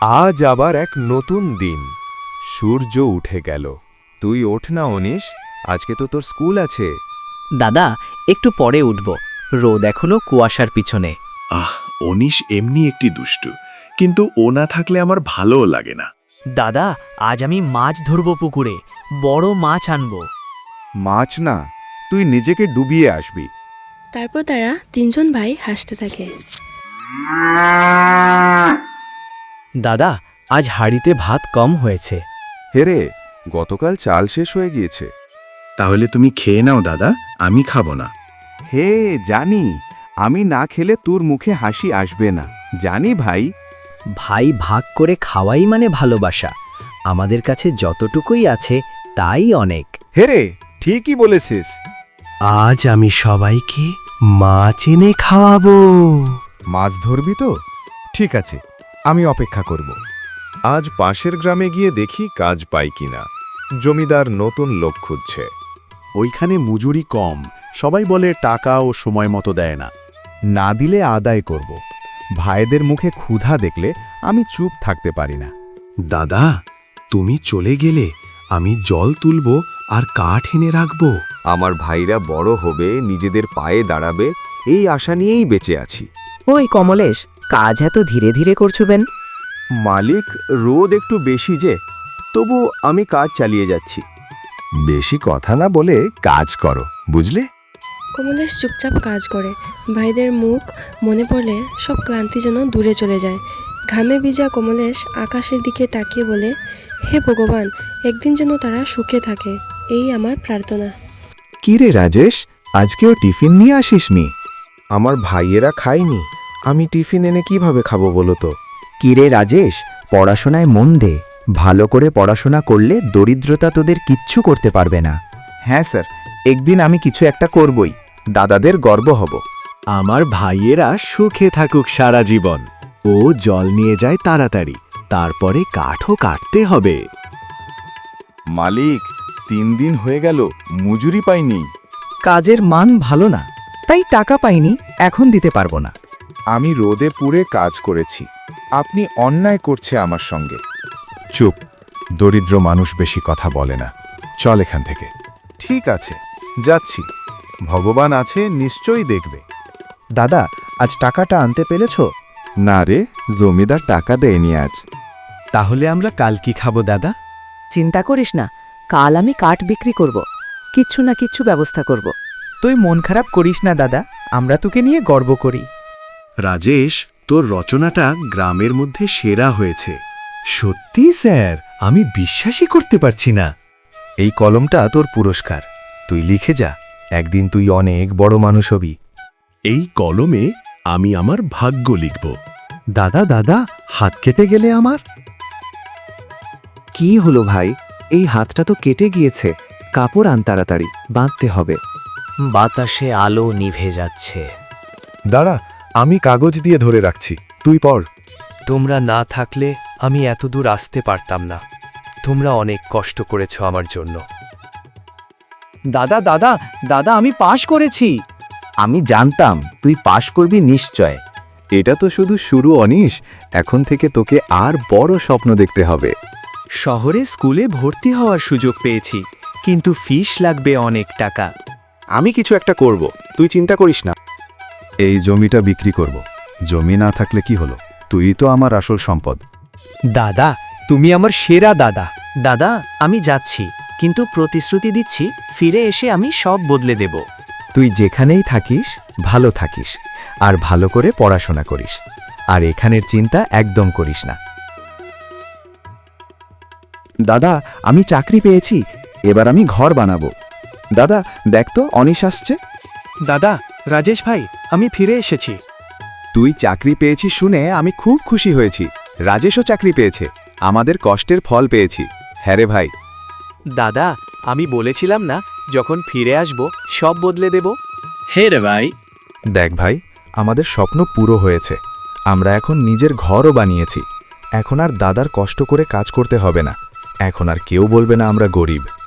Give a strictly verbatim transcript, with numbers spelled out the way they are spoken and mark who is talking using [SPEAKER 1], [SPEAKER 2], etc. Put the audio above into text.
[SPEAKER 1] আজ আবার এক নতুন দিন। সূর্য উঠে গেল। তুই ওঠ না অনিশ, আজকে তো তোর স্কুল আছে।
[SPEAKER 2] দাদা একটু পরে উঠব, রোদ এখনো কুয়াশার পিছনে।
[SPEAKER 3] আহ অনিশ এমনি একটি দুষ্টু, কিন্তু ও না থাকলে আমার ভালোও লাগে না।
[SPEAKER 2] দাদা আজ আমি মাছ ধরব, পুকুরে বড় মাছ আনব।
[SPEAKER 1] মাছ না, তুই নিজেকে ডুবিয়ে আসবি।
[SPEAKER 4] তারপর তারা তিনজন ভাই হাসতে থাকে।
[SPEAKER 2] দাদা আজ হাঁড়িতে ভাত কম হয়েছে।
[SPEAKER 1] হেরে, গতকাল চাল শেষ হয়ে গিয়েছে।
[SPEAKER 3] তাহলে তুমি খেয়ে নাও দাদা, আমি খাবো না।
[SPEAKER 1] হে জানি, আমি না খেলে তোর মুখে হাসি আসবে না, জানি ভাই।
[SPEAKER 2] ভাই ভাগ করে খাওয়াই মানে ভালোবাসা। আমাদের কাছে যতটুকুই আছে তাই অনেক।
[SPEAKER 1] হেরে, ঠিকই বলেছিস।
[SPEAKER 5] আজ আমি সবাইকে মাছ এনে খাওয়াবো।
[SPEAKER 1] মাছ ধরবি তো? ঠিক আছে, আমি অপেক্ষা করব। আজ পাশের গ্রামে গিয়ে দেখি কাজ পাই কিনা। জমিদার নতুন লোক খুঁজছে।
[SPEAKER 3] ওইখানে মজুরি কম, সবাই বলে টাকা ও সময় মতো দেয় না।
[SPEAKER 1] না দিলে আদায় করব। ভাইদের মুখে ক্ষুধা দেখলে আমি চুপ থাকতে পারি না।
[SPEAKER 3] দাদা, তুমি চলে গেলে আমি জল তুলব আর কাঠ এনে রাখবো।
[SPEAKER 1] আমার ভাইরা বড় হবে, নিজেদের পায়ে দাঁড়াবে, এই আশা নিয়েই বেঁচে আছি।
[SPEAKER 6] ওই কমলেশ, কাজ এত ধীরে ধীরে করছুবেন?
[SPEAKER 1] মালিক, রোদ একটু বেশি যে, তবু আমি কাজ চালিয়ে যাচ্ছি। বেশি কথা না বলে কাজ করো, বুঝলে?
[SPEAKER 4] কমলেশ চুপচাপ কাজ করে। ভাইদের মুখ মনে পড়লে সব ক্লান্তি যেন দূরে চলে যায়। ঘামে ভিজা কমলেশ আকাশের দিকে তাকিয়ে বলে, হে ভগবান, একদিন যেন তারা সুখে থাকে, এই আমার প্রার্থনা।
[SPEAKER 1] কি রে রাজেশ, আজকেও টিফিন নিয়ে আসিস নি? আমার ভাইয়েরা খায়নি, আমি টিফিন এনে কিভাবে খাবো বলো তো?
[SPEAKER 6] কিরে রাজেশ, পড়াশোনায় মন দে। ভালো করে পড়াশোনা করলে দরিদ্রতা তোদের কিচ্ছু করতে পারবে না।
[SPEAKER 1] হ্যাঁ স্যার, একদিন আমি কিছু একটা করবই, দাদাদের গর্ব হব।
[SPEAKER 3] আমার ভাইয়েরা সুখে থাকুক সারা জীবন। ও জল নিয়ে যায় তাড়াতাড়ি, তারপরে কাঠও কাটতে হবে।
[SPEAKER 1] মালিক, তিন দিন হয়ে গেল, মজুরি পাইনি।
[SPEAKER 6] কাজের মান ভালো না, তাই টাকা পাইনি, এখন দিতে পারবো না।
[SPEAKER 1] আমি রোদে পুড়ে কাজ করেছি, আপনি অন্যায় করছে আমার সঙ্গে। চুপ, দরিদ্র মানুষ বেশি কথা বলে না। চল এখান থেকে। ঠিক আছে, যাচ্ছি। ভগবান আছে, নিশ্চয়ই দেখবে।
[SPEAKER 6] দাদা, আজ টাকাটা আনতে পেরেছ?
[SPEAKER 1] না রে, জমিদার টাকা দেয়নি আজ।
[SPEAKER 5] তাহলে আমরা কাল কি খাবো দাদা?
[SPEAKER 7] চিন্তা করিস না, কাল আমি কাঠ বিক্রি করব, কিচ্ছু না কিচ্ছু ব্যবস্থা করব।
[SPEAKER 6] তুই মন খারাপ করিস না দাদা, আমরা তোকে নিয়ে গর্ব করি।
[SPEAKER 3] রাজেশ, তোর রচনাটা গ্রামের মধ্যে সেরা হয়েছে।
[SPEAKER 5] সত্যি স্যার, আমি বিশ্বাসই করতে পারছি না।
[SPEAKER 1] এই কলমটা তোর পুরস্কার, তুই লিখে যা, একদিন তুই অনেক বড় মানুষ হবি।
[SPEAKER 3] এই কলমে আমি আমার ভাগ্য লিখব।
[SPEAKER 5] দাদা দাদা, হাত কেটে গেলে আমার?
[SPEAKER 6] কি হলো ভাই, এই হাতটা তো কেটে গিয়েছে। কাপড় আন তাড়াতাড়ি, বাঁধতে হবে।
[SPEAKER 2] বাতাসে আলো নিভে যাচ্ছে।
[SPEAKER 1] দাঁড়া, আমি কাগজ দিয়ে ধরে রাখছি, তুই পড়।
[SPEAKER 8] তোমরা না থাকলে আমি এতদূর আসতে পারতাম না। তোমরা অনেক কষ্ট করেছ আমার জন্য।
[SPEAKER 2] দাদা দাদা দাদা আমি পাশ করেছি।
[SPEAKER 6] আমি জানতাম তুই পাশ করবি নিশ্চয়।
[SPEAKER 1] এটা তো শুধু শুরু অনিশ, এখন থেকে তোকে আর বড় স্বপ্ন দেখতে হবে।
[SPEAKER 8] শহরে স্কুলে ভর্তি হওয়ার সুযোগ পেয়েছি, কিন্তু ফিস লাগবে অনেক টাকা।
[SPEAKER 1] আমি কিছু একটা করব, তুই চিন্তা করিস না। এই জমিটা বিক্রি করব। জমি না থাকলে কি হলো, তুই তো আমার আসল সম্পদ।
[SPEAKER 8] দাদা, তুমি আমার সেরা দাদা।
[SPEAKER 2] দাদা আমি যাচ্ছি, কিন্তু প্রতিশ্রুতি দিচ্ছি ফিরে এসে আমি সব বদলে দেব।
[SPEAKER 6] তুই যেখানেই থাকিস ভালো থাকিস, আর ভালো করে পড়াশোনা করিস, আর এখানের চিন্তা একদম করিস না। দাদা, আমি চাকরি পেয়েছি, এবার আমি ঘর বানাবো। দাদা দেখ তো, অনিশ আসছে।
[SPEAKER 8] দাদা, রাজেশ ভাই, আমি ফিরে এসেছি।
[SPEAKER 1] তুই চাকরি পেয়েছিস শুনে আমি খুব খুশি হয়েছি। রাজেশও চাকরি পেয়েছে, আমাদের কষ্টের ফল পেয়েছি। হ্যাঁ রে ভাই।
[SPEAKER 8] দাদা, আমি বলেছিলাম না যখন ফিরে আসব সব বদলে দেব।
[SPEAKER 3] হে রে ভাই।
[SPEAKER 1] দেখ ভাই, আমাদের স্বপ্ন পুরো হয়েছে। আমরা এখন নিজের ঘরও বানিয়েছি। এখন আর দাদার কষ্ট করে কাজ করতে হবে না। এখন আর কেউ বলবে না আমরা গরিব।